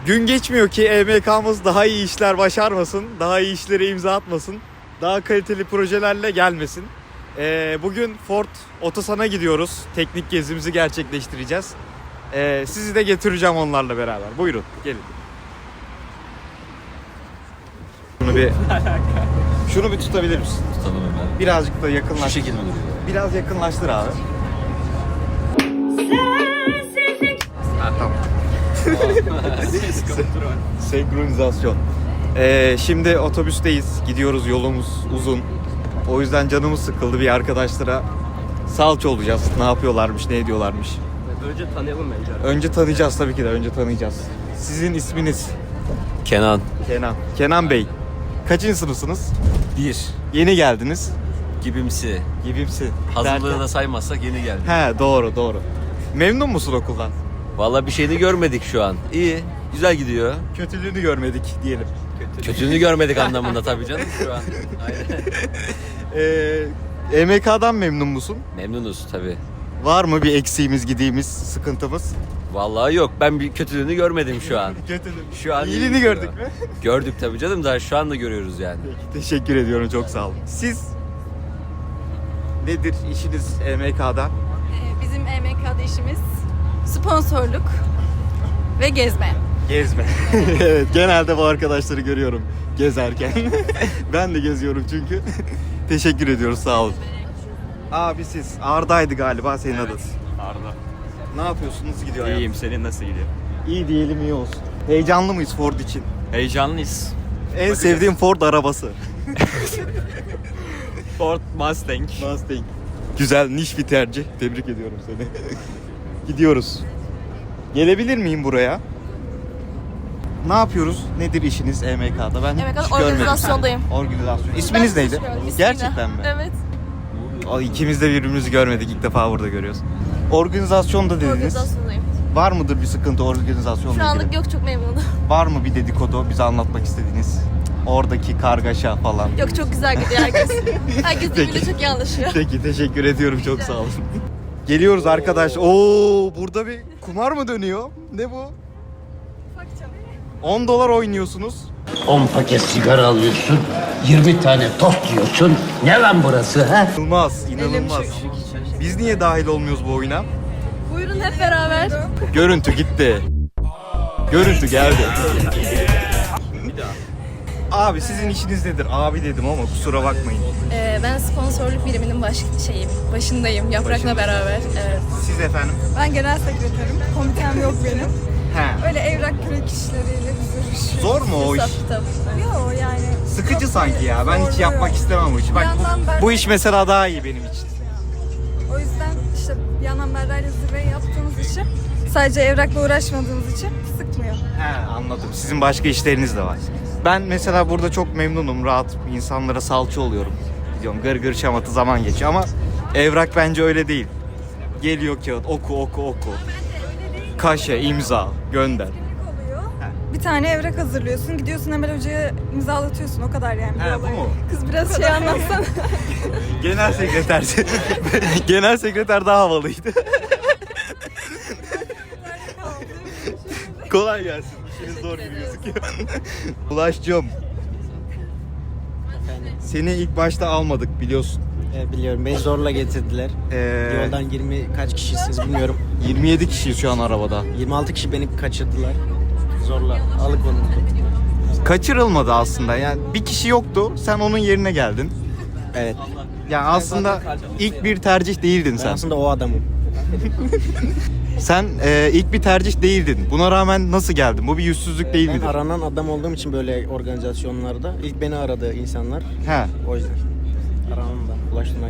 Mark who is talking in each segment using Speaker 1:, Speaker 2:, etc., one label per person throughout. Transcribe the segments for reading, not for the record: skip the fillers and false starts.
Speaker 1: Gün geçmiyor ki EMK'mız daha iyi işler başarmasın, daha iyi işlere imza atmasın, daha kaliteli projelerle gelmesin. Bugün Ford Otosan'a gidiyoruz. Teknik gezimizi gerçekleştireceğiz. Sizi de getireceğim onlarla beraber. Buyurun, gelin. Şunu bir tutabilir misin?
Speaker 2: Tutalım hemen.
Speaker 1: Birazcık da yakınlaş.
Speaker 2: Şu şekilde mi duruyor?
Speaker 1: Biraz yakınlaştır abi. Ha, tamam. Senkronizasyon. Şimdi otobüsteyiz. Gidiyoruz, yolumuz uzun. O yüzden canımız sıkıldı, bir arkadaşlara salça olacağız. Ne yapıyorlarmış, ne ediyorlarmış.
Speaker 3: Önce tanıyalım bence.
Speaker 1: Önce tanıyacağız tabii ki de, önce tanıyacağız. Sizin isminiz?
Speaker 2: Kenan.
Speaker 1: Kenan Bey. Kaçıncı sınıfsınız?
Speaker 2: 1.
Speaker 1: Yeni geldiniz.
Speaker 2: Gibimsi.
Speaker 1: Gibimsi.
Speaker 2: Hazırlığı da saymazsak yeni geldi.
Speaker 1: He, doğru. Memnun musun okuldan?
Speaker 2: Vallahi bir şeyini görmedik şu an. İyi. Güzel gidiyor.
Speaker 1: Kötülüğünü görmedik diyelim.
Speaker 2: Kötülüğünü görmedik anlamında tabii canım şu an. Aynen.
Speaker 1: EMK'dan memnun musun?
Speaker 2: Memnunuz tabii.
Speaker 1: Var mı bir eksiğimiz, gidiğimiz, sıkıntımız?
Speaker 2: Vallahi yok. Ben bir kötülüğünü görmedim şu an.
Speaker 1: Kötülüğü.
Speaker 2: Şu an
Speaker 1: İyiliğini gördük mü?
Speaker 2: Gördük tabii canım. Daha şu anda görüyoruz yani.
Speaker 1: Teşekkür ediyorum, çok sağ olun. Siz nedir işiniz EMK'da?
Speaker 4: Bizim EMK'da işimiz sponsorluk ve gezme.
Speaker 1: Gezme. Evet, genelde bu arkadaşları görüyorum gezerken. Ben de geziyorum çünkü. Teşekkür ediyoruz, sağ olun. Abi siz Arda'ydı galiba senin adın.
Speaker 3: Arda.
Speaker 1: Ne yapıyorsun? Nasıl gidiyor hayat?
Speaker 3: İyiyim, senin nasıl gidiyor?
Speaker 1: İyi diyelim, iyi olsun. Heyecanlı mıyız Ford için?
Speaker 3: Heyecanlıyız.
Speaker 1: En sevdiğim Ford arabası.
Speaker 3: Ford Mustang.
Speaker 1: Mustang. Güzel, niş bir tercih. Tebrik ediyorum seni. Gidiyoruz. Gelebilir miyim buraya? Ne yapıyoruz? Nedir işiniz EMK'da? Ben
Speaker 4: EMK'da
Speaker 1: hiç görmedim.
Speaker 4: organizasyondayım.
Speaker 1: Organizasyon. İsminiz neydi? Gerçekten mi?
Speaker 4: Evet.
Speaker 1: İkimiz de birbirimizi görmedik. İlk defa burada görüyoruz. Organizasyonda dediniz.
Speaker 4: Organizasyondayım.
Speaker 1: Var mıdır bir sıkıntı organizasyonla
Speaker 4: Şu anlık
Speaker 1: ilgili?
Speaker 4: yok, çok memnunum.
Speaker 1: Var mı bir dedikodu bize anlatmak istediğiniz? Oradaki kargaşa falan.
Speaker 4: Yok, çok güzel gidiyor herkes. Herkes birbiriyle
Speaker 1: Peki.
Speaker 4: çok iyi anlaşıyor.
Speaker 1: Peki, teşekkür ediyorum, çok sağ olun. Geliyoruz arkadaş. Oo, burada bir kumar mı dönüyor? Ne bu? 10 dolar oynuyorsunuz.
Speaker 5: 10 paket sigara alıyorsun, 20 tane tost yiyorsun. Ne lan burası ha?
Speaker 1: İnanılmaz. Biz niye dahil olmuyoruz bu oyuna?
Speaker 4: Buyurun hep beraber.
Speaker 1: Görüntü gitti. Görüntü geldi. Abi sizin işiniz nedir? Abi dedim ama kusura bakmayın.
Speaker 4: Ben sponsorluk biriminin başındayım Yaprak'la
Speaker 1: Başındasın.
Speaker 4: beraber. Evet.
Speaker 1: Siz efendim?
Speaker 6: Ben genel sekreterim. Komitem yok benim.
Speaker 1: He.
Speaker 6: Öyle evrak kürek işleriyle biz uğraşıyoruz.
Speaker 1: Zor mu o iş?
Speaker 4: Hesap kitap.
Speaker 6: Yok yani.
Speaker 1: Sıkıcı
Speaker 6: çok
Speaker 1: sanki ya. Ben hiç
Speaker 6: zorluyor.
Speaker 1: yapmak istemem bu işi. Bak
Speaker 6: yandan
Speaker 1: bu iş mesela daha iyi benim için.
Speaker 6: O yüzden işte bir yandan Berra'yla zirveyi yaptığımız için sadece evrakla uğraşmadığımız için sıkmıyor.
Speaker 1: He, anladım. Sizin başka işleriniz de var. Ben mesela burada çok memnunum. Rahat insanlara salça oluyorum. Gidiyorum gır gır şamatı zaman geçiyor ama evrak bence öyle değil. Geliyor kağıt, oku. Kaşe, imza, gönder.
Speaker 6: Oluyor. Bir tane evrak hazırlıyorsun. Gidiyorsun Emel Hoca'ya imzalatıyorsun. O kadar yani.
Speaker 1: He,
Speaker 6: bir
Speaker 1: bu
Speaker 6: olay.
Speaker 1: mu?
Speaker 6: Kız biraz şey anlatsana.
Speaker 1: Genel sekreter. Genel sekreter daha havalıydı. Kolay gelsin. İşiniz zor gibi gözüküyor. Ulaş'cığım. Seni ilk başta almadık biliyorsun.
Speaker 7: Biliyorum. Beni zorla getirdiler. Yoldan 20 kaç kişisiniz bilmiyorum.
Speaker 1: 27 kişiyiz şu an arabada.
Speaker 7: 26 kişi beni kaçırdılar. Zorla alıkonuldu.
Speaker 1: Kaçırılmadı aslında. Yani bir kişi yoktu. Sen onun yerine geldin.
Speaker 7: Evet.
Speaker 1: Yani aslında ilk bir tercih değildin
Speaker 7: Ben
Speaker 1: sen.
Speaker 7: aslında o adamım.
Speaker 1: Sen ilk bir tercih değildin. Buna rağmen nasıl geldin? Bu bir yüzsüzlük değil
Speaker 7: Ben
Speaker 1: midir?
Speaker 7: aranan adam olduğum için böyle organizasyonlarda ilk beni aradı insanlar.
Speaker 1: He.
Speaker 7: O yüzden. Aranım da. Ulaştırmayı.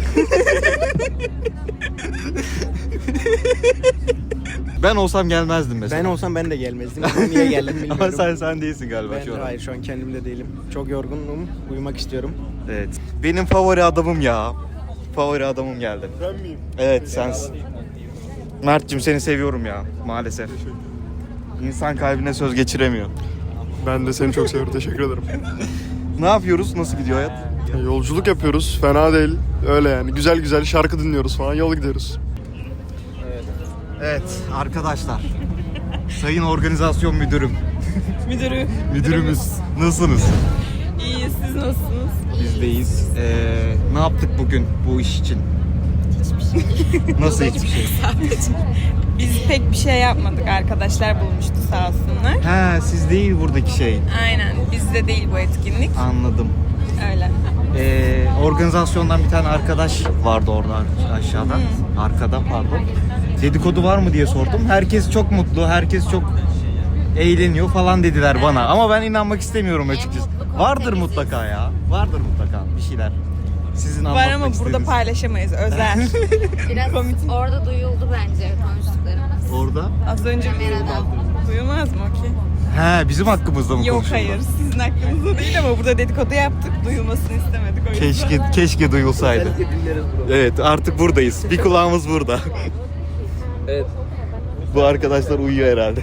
Speaker 1: Ben olsam gelmezdim mesela.
Speaker 7: Ben olsam ben de gelmezdim. Ben niye geldim bilmiyorum.
Speaker 1: Ama sen değilsin galiba
Speaker 7: Ben
Speaker 1: şu an.
Speaker 7: hayır şu an kendimde değilim. Çok yorgunum. Uyumak istiyorum.
Speaker 1: Evet. Benim favori adamım ya. Favori adamım geldi. Ben miyim? Evet, sensin. Mert'cim seni seviyorum ya maalesef. İnsan kalbine söz geçiremiyor.
Speaker 8: Ben de seni çok seviyorum. Teşekkür ederim.
Speaker 1: Ne yapıyoruz? Nasıl gidiyor hayat?
Speaker 8: Yolculuk yapıyoruz. Fena değil. Öyle yani. Güzel güzel şarkı dinliyoruz falan. Yol gidiyoruz.
Speaker 1: Evet arkadaşlar. Sayın Organizasyon Müdürüm. Müdürümüz. Nasılsınız?
Speaker 9: İyiyiz, siz nasılsınız?
Speaker 1: Biz deyiz. Ne yaptık bugün bu iş için? Nasıl hiçbir şey?
Speaker 9: Biz pek bir şey yapmadık, arkadaşlar bulmuştu sağ olsunlar.
Speaker 1: He, siz değil buradaki şey.
Speaker 9: Aynen, bizde değil bu etkinlik.
Speaker 1: Anladım.
Speaker 9: Öyle.
Speaker 1: Organizasyondan bir tane arkadaş vardı orada aşağıda. Arkada pardon. Dedikodu var mı diye sordum. Herkes çok mutlu, herkes çok eğleniyor falan dediler bana. Ama ben inanmak istemiyorum açıkçası. Vardır mutlaka ya. Vardır mutlaka bir şeyler. Sizin
Speaker 9: Var
Speaker 1: anlatmak
Speaker 9: ama burada
Speaker 1: istediğiniz.
Speaker 9: paylaşamayız, özel.
Speaker 10: Biraz orada duyuldu bence konuştuklarımız.
Speaker 1: Orada.
Speaker 9: Az önce
Speaker 10: Kameradan.
Speaker 9: duyulmaz mı o ki?
Speaker 1: He, bizim hakkımızda mı
Speaker 9: Yok
Speaker 1: konuşuyorlar?
Speaker 9: hayır, sizin hakkınızda değil ama burada dedikodu yaptık, duyulmasını istemedik o yüzden.
Speaker 1: Keşke duyulsaydı. Evet, artık buradayız. Bir kulağımız burada.
Speaker 2: Evet.
Speaker 1: Bu arkadaşlar uyuyor herhalde.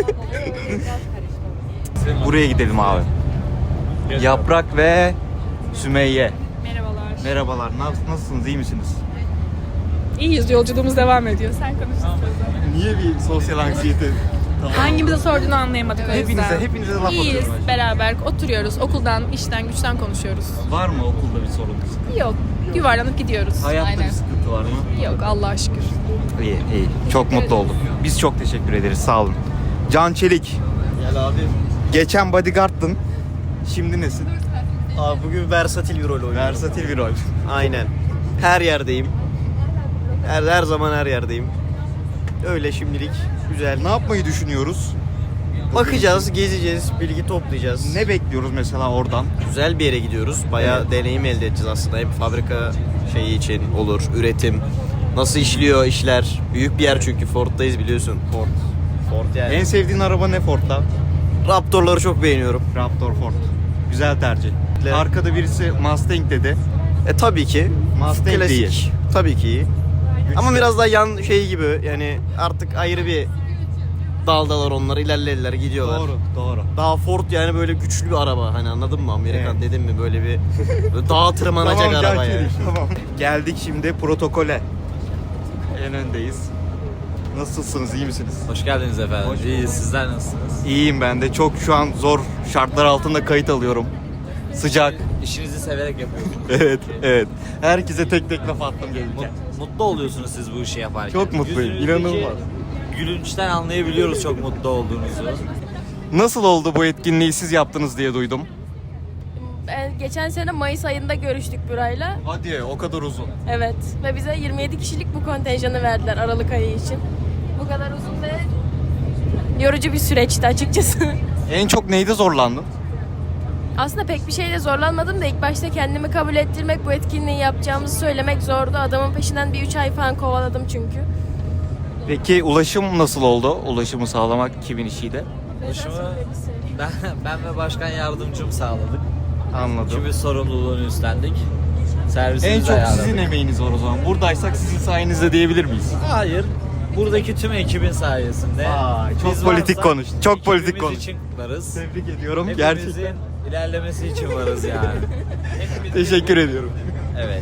Speaker 1: Buraya gidelim abi. Yaprak ve Sümeyye.
Speaker 9: Merhabalar.
Speaker 1: Merhabalar. Nasılsınız? İyi misiniz?
Speaker 9: İyiyiz, yolculuğumuz devam ediyor. Sen konuş.
Speaker 1: Niye bir sosyal anksiyete?
Speaker 9: Hangimize sorduğunu anlayamadık o yüzden.
Speaker 1: Hepinize laf
Speaker 9: İyiyiz,
Speaker 1: atıyorum.
Speaker 9: beraber oturuyoruz. Okuldan, işten, güçten konuşuyoruz.
Speaker 1: Var mı okulda bir sorun?
Speaker 9: Yok, yuvarlanıp gidiyoruz.
Speaker 1: Hayatta bir sıkıntı var mı?
Speaker 9: Yok, Allah'a şükür.
Speaker 1: İyi. Çok mutlu oldum. Biz çok teşekkür ederiz. Sağ olun. Can Çelik.
Speaker 7: Gel abi.
Speaker 1: Geçen bodyguard'tın. Şimdi nesin?
Speaker 7: Abi bugün versatil bir rol oynuyorum.
Speaker 1: Versatil bir rol.
Speaker 7: Aynen. Her yerdeyim. Her zaman her yerdeyim. Öyle şimdilik güzel.
Speaker 1: Ne yapmayı düşünüyoruz?
Speaker 7: Bakacağız, gezeceğiz, bilgi toplayacağız.
Speaker 1: Ne bekliyoruz mesela oradan?
Speaker 7: Güzel bir yere gidiyoruz. Bayağı deneyim elde edeceğiz aslında. Hem fabrika şeyi için olur, üretim. Nasıl işliyor işler. Büyük bir yer çünkü Ford'dayız biliyorsun. Ford yani.
Speaker 1: En sevdiğin araba ne Ford'da?
Speaker 7: Raptor'ları çok beğeniyorum.
Speaker 1: Raptor Ford. Güzel tercih.
Speaker 7: Evet.
Speaker 1: Arkada birisi Mustang dedi.
Speaker 7: Tabii ki.
Speaker 1: Mustang
Speaker 7: Klasik.
Speaker 1: değil.
Speaker 7: Tabii ki. Ama biraz daha yan şey gibi yani artık ayrı bir daldalar onlar ilerlediler gidiyorlar.
Speaker 1: Doğru.
Speaker 7: Daha Ford yani böyle güçlü bir araba hani anladın mı Amerikan
Speaker 1: Evet.
Speaker 7: dedim mi böyle bir böyle dağa tırmanacak
Speaker 1: Tamam,
Speaker 7: araba
Speaker 1: Can
Speaker 7: yani.
Speaker 1: Çelik, tamam. Geldik şimdi protokole. En öndeyiz. Nasılsınız? İyi misiniz?
Speaker 2: Hoş geldiniz efendim.
Speaker 1: Hoş
Speaker 2: İyiyiz.
Speaker 1: bulduk.
Speaker 2: Sizler nasılsınız?
Speaker 1: İyiyim ben de. Çok şu an zor şartlar altında kayıt alıyorum. Sıcak.
Speaker 2: İşinizi severek yapıyorsunuz.
Speaker 1: Evet. Herkese tek tek laf attım gelirken.
Speaker 2: Mutlu oluyorsunuz siz bu işi yaparken.
Speaker 1: Çok mutluyum.
Speaker 2: Yüzünüzdeki
Speaker 1: İnanılmaz.
Speaker 2: Gülünçten anlayabiliyoruz çok mutlu olduğunuzu.
Speaker 1: Nasıl oldu bu etkinliği siz yaptınız diye duydum.
Speaker 4: Geçen sene Mayıs ayında görüştük Buray'la.
Speaker 1: Hadi o kadar uzun.
Speaker 4: Evet. Ve bize 27 kişilik bu kontenjanı verdiler Aralık ayı için. Bu kadar uzun ve yorucu bir süreçti açıkçası.
Speaker 1: En çok neyde zorlandın?
Speaker 4: Aslında pek bir şeyle zorlanmadım da ilk başta kendimi kabul ettirmek, bu etkinliği yapacağımızı söylemek zordu. Adamın peşinden bir 3 ay falan kovaladım çünkü.
Speaker 1: Peki ulaşım nasıl oldu? Ulaşımı sağlamak kimin işiydi?
Speaker 2: Ulaşımı ben ve başkan yardımcım sağladık.
Speaker 1: Anladım.
Speaker 2: Çünkü sorumluluğunu üstlendik. Servisimizi
Speaker 1: En çok
Speaker 2: ayarladık.
Speaker 1: sizin emeğiniz var o zaman. Buradaysak sizin sayenizde diyebilir miyiz?
Speaker 2: Hayır. Buradaki tüm ekibin sayesinde.
Speaker 1: Vay, çok
Speaker 2: Biz
Speaker 1: politik
Speaker 2: varsak
Speaker 1: konuş. Çok politik
Speaker 2: ekibimiz
Speaker 1: konuş.
Speaker 2: için varız.
Speaker 1: Tebrik ediyorum.
Speaker 2: Hepimizin
Speaker 1: Gerçekten.
Speaker 2: ilerlemesi için varız yani. Hepimiz-
Speaker 1: Teşekkür ediyorum.
Speaker 2: Evet.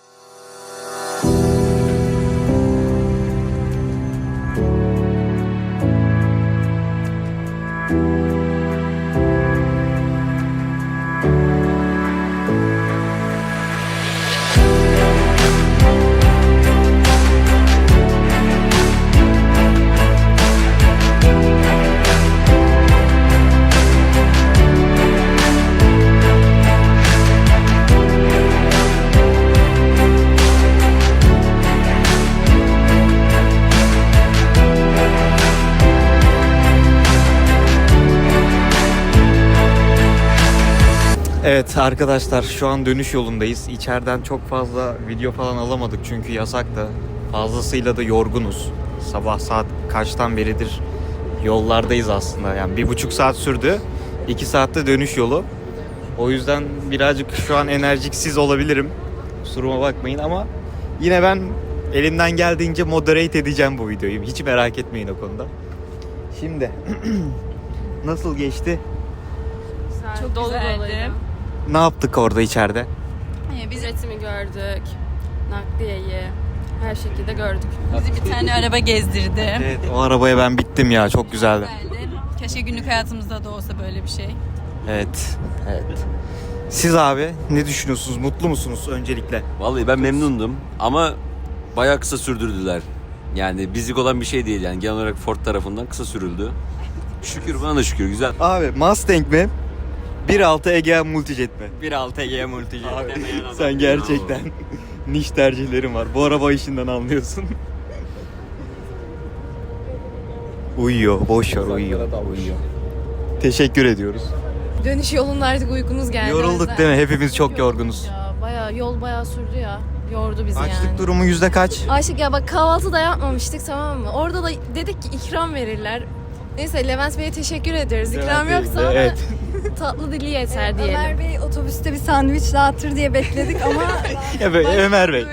Speaker 1: Evet arkadaşlar şu an dönüş yolundayız. İçeriden çok fazla video falan alamadık çünkü yasak da. Fazlasıyla da yorgunuz. Sabah saat kaçtan beridir yollardayız aslında. Yani 1,5 saat sürdü. 2 saatte dönüş yolu. O yüzden birazcık şu an enerjiksiz olabilirim. Kusuruma bakmayın ama yine ben elimden geldiğince moderate edeceğim bu videoyu. Hiç merak etmeyin o konuda. Şimdi nasıl geçti?
Speaker 4: Çok dolu doluydu.
Speaker 1: Ne yaptık orada içeride?
Speaker 4: Biz üretimi gördük. Nakliyeyi. her şekilde gördük.
Speaker 9: Bizi bir tane araba gezdirdi.
Speaker 1: Evet, o arabaya ben bittim ya. Çok güzeldi.
Speaker 9: Güzeldi. Keşke günlük hayatımızda da olsa böyle bir şey.
Speaker 1: Evet. Evet. Siz abi ne düşünüyorsunuz? Mutlu musunuz öncelikle?
Speaker 2: Vallahi ben memnundum ama bayağı kısa sürdürdüler. Yani bizlik olan bir şey değil yani. Genel olarak Ford tarafından kısa sürüldü. Şükür, bana da şükür, güzel.
Speaker 1: Abi Mustang mi? 1.6 Egea Multijet mi?
Speaker 3: 1.6 Egea Multijet. demeyen adam.
Speaker 1: Sen gerçekten niş tercihlerin var. Bu araba işinden anlıyorsun. Uyuyor, boş ver uyuyor. Teşekkür ediyoruz.
Speaker 4: Dönüş yolunda artık uykumuz geldi.
Speaker 1: Yorulduk değil mi? Hepimiz çok yorgunuz.
Speaker 4: Ya yol bayağı sürdü ya. Yordu bizi
Speaker 1: Açlık
Speaker 4: yani.
Speaker 1: durumu yüzde kaç?
Speaker 4: Aşık ya bak kahvaltı da yapmamıştık, tamam mı? Orada da dedik ki ikram verirler. Neyse Levent Bey'e teşekkür ediyoruz. İkram yoksa ama
Speaker 1: Evet.
Speaker 4: tatlı dili yeter diyelim.
Speaker 6: Ömer Bey otobüste bir sandviç dağıtır diye bekledik ama
Speaker 1: Ya be, Ömer Bey.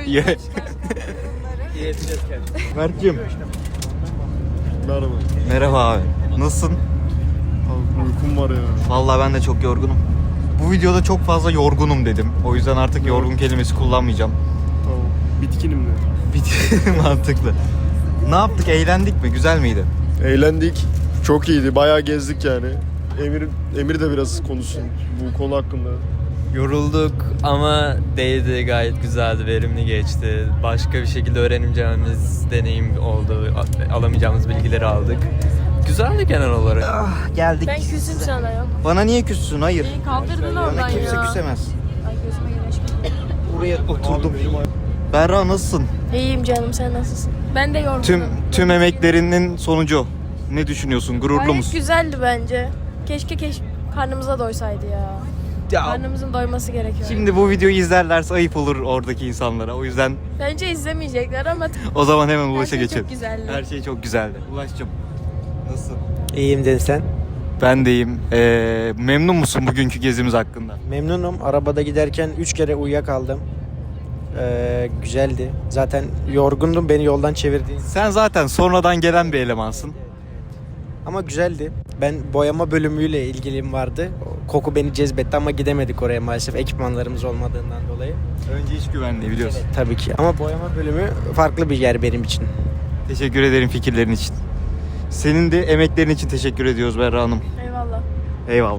Speaker 1: Mert'cim.
Speaker 8: Merhaba.
Speaker 1: Merhaba abi. Nasılsın?
Speaker 8: Abi uykum var ya.
Speaker 1: Vallahi ben de çok yorgunum. Bu videoda çok fazla yorgunum dedim. O yüzden artık yorgun kelimesi kullanmayacağım.
Speaker 8: Tamam. Bitkinim de.
Speaker 1: Mantıklı. Ne yaptık? Eğlendik mi? Güzel miydi?
Speaker 8: Eğlendik. Çok iyiydi. Bayağı gezdik yani. Emir de biraz konuşsun bu konu hakkında.
Speaker 3: Yorulduk ama değdi, gayet güzeldi, verimli geçti. Başka bir şekilde öğreneceğimiz deneyim oldu, alamayacağımız bilgileri aldık. Güzeldi genel olarak.
Speaker 1: Geldik.
Speaker 4: Ben küsüm sana yok.
Speaker 1: Bana niye küssün? Hayır.
Speaker 4: Kaldırdın oradan
Speaker 1: Bana kimse
Speaker 4: ya.
Speaker 1: küsemez.
Speaker 4: Ay gözüme güneş girdi.
Speaker 1: Buraya oturdum. Berra nasılsın?
Speaker 4: İyiyim canım, sen nasılsın? Ben de yorgunum.
Speaker 1: Tüm emeklerinin sonucu. Ne düşünüyorsun? Gururlu
Speaker 4: Gayet
Speaker 1: musun?
Speaker 4: güzeldi bence. Keşke karnımıza doysaydı ya.
Speaker 1: Ya,
Speaker 4: Karnımızın doyması gerekiyor.
Speaker 1: şimdi bu videoyu izlerlerse ayıp olur oradaki insanlara. O yüzden
Speaker 4: Bence izlemeyecekler ama
Speaker 1: o zaman hemen
Speaker 4: her
Speaker 1: Ulaş'a
Speaker 4: şey
Speaker 1: geçelim.
Speaker 4: çok güzeldi.
Speaker 1: Her şey çok güzeldi. Ulaş'cığım nasılsın?
Speaker 11: İyiyim dedin sen.
Speaker 1: Ben deyim. Memnun musun bugünkü gezimiz hakkında?
Speaker 11: Memnunum. Arabada giderken 3 kere uyuyakaldım. Güzeldi. Zaten yorgundum, beni yoldan çevirdi.
Speaker 1: Sen zaten sonradan gelen bir elemansın.
Speaker 11: Ama güzeldi. Ben boyama bölümüyle ilgiliyim vardı. Koku beni cezbetti ama gidemedik oraya maalesef ekipmanlarımız olmadığından dolayı.
Speaker 1: Önce iş güvenliği biliyorsun.
Speaker 11: Tabii ki. Ama boyama bölümü farklı bir yer benim için.
Speaker 1: Teşekkür ederim fikirlerin için. Senin de emeklerin için teşekkür ediyoruz Berra Hanım.
Speaker 4: Eyvallah.
Speaker 1: Eyvallah.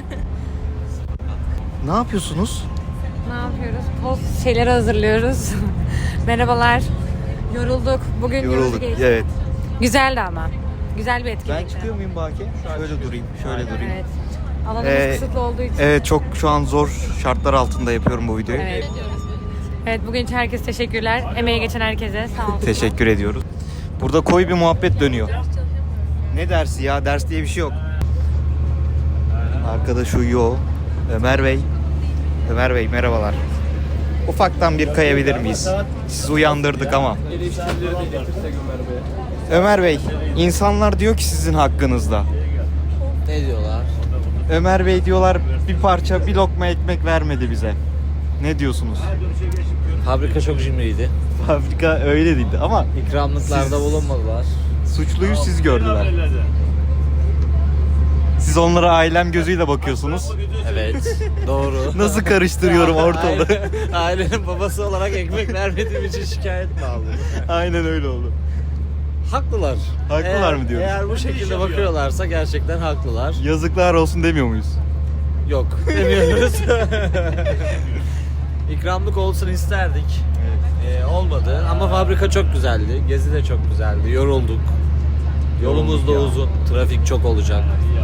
Speaker 1: Ne yapıyorsunuz?
Speaker 10: Ne yapıyoruz? Post şeyleri hazırlıyoruz. Merhabalar. Yorulduk. Bugün yorucu geçti.
Speaker 1: Evet.
Speaker 10: Güzeldi ama. Güzel bir etkinlikti.
Speaker 1: Ben çıkıyor muyum Baki? Şöyle durayım. Şöyle durayım.
Speaker 10: Evet. Alanımız kısıtlı olduğu için.
Speaker 1: Evet, çok şu an zor şartlar altında yapıyorum bu videoyu.
Speaker 10: Evet. Evet, bugün için herkese teşekkürler. Emeği geçen herkese sağ olun.
Speaker 1: Teşekkür ediyoruz. Burada koyu bir muhabbet dönüyor. Ne dersi ya? Ders diye bir şey yok. Arkadaş uyuyor. Ömer Bey. Ömer Bey merhabalar. Ufaktan bir kayabilir miyiz? Sizi uyandırdık ama. Ömer Bey, insanlar diyor ki sizin hakkınızda.
Speaker 2: Ne diyorlar?
Speaker 1: Ömer Bey diyorlar bir lokma ekmek vermedi bize. Ne diyorsunuz?
Speaker 2: Fabrika çok cimriydi.
Speaker 1: Fabrika öyle değildi ama
Speaker 2: İkramlıklarda bulunmadılar.
Speaker 1: suçluyu siz gördüler. Siz onlara ailem gözüyle bakıyorsunuz.
Speaker 2: Evet, doğru.
Speaker 1: Nasıl karıştırıyorum ortalığı?
Speaker 2: Ailenin babası olarak ekmek vermediğim için şikayet mi aldım?
Speaker 1: Aynen öyle oldu.
Speaker 2: Haklılar.
Speaker 1: Haklılar mı diyoruz?
Speaker 2: Eğer bu şekilde bakıyorlarsa gerçekten haklılar.
Speaker 1: Yazıklar olsun demiyor muyuz?
Speaker 2: Yok, demiyoruz. İkramlık olsun isterdik. Olmadı ama fabrika çok güzeldi. Gezi de çok güzeldi. Yorulduk. Yolumuz da uzun. Trafik çok olacak.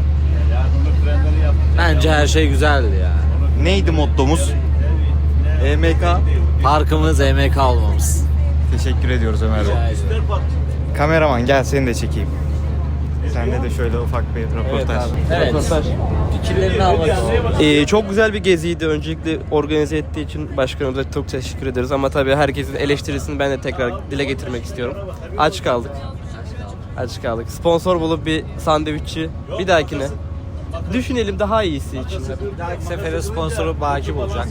Speaker 2: Bence her şey güzeldi yani.
Speaker 1: Neydi mottomuz? EMK.
Speaker 2: Parkımız EMK olmamız.
Speaker 1: Teşekkür ediyoruz Ömer Bey.
Speaker 2: Rica ederim.
Speaker 1: Kameraman gel seni de çekeyim. Sende de şöyle ufak bir röportaj.
Speaker 2: Evet. Fikirlerini almak istiyorum.
Speaker 3: Çok güzel bir geziydi. Öncelikle organize ettiği için başkanımıza çok teşekkür ederiz. Ama tabii herkesin eleştirisini ben de tekrar dile getirmek istiyorum. Aç kaldık. Sponsor bulup bir sandviççi bir dahakine düşünelim daha iyisi için.
Speaker 2: Bir dahaki sefere sponsoru Baki bulacak.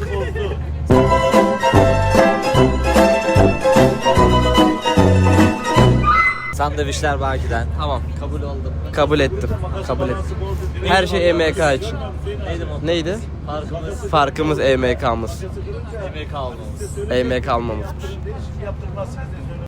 Speaker 2: Sandviçler Baki'den.
Speaker 3: Tamam.
Speaker 2: Kabul oldum.
Speaker 3: Kabul ettim. Her şey EMK için.
Speaker 2: Neydi motto?
Speaker 3: Neydi?
Speaker 2: Parkımız
Speaker 3: Farkımız EMK'mız.
Speaker 2: EMK olmamız.
Speaker 3: EMK almamızdır.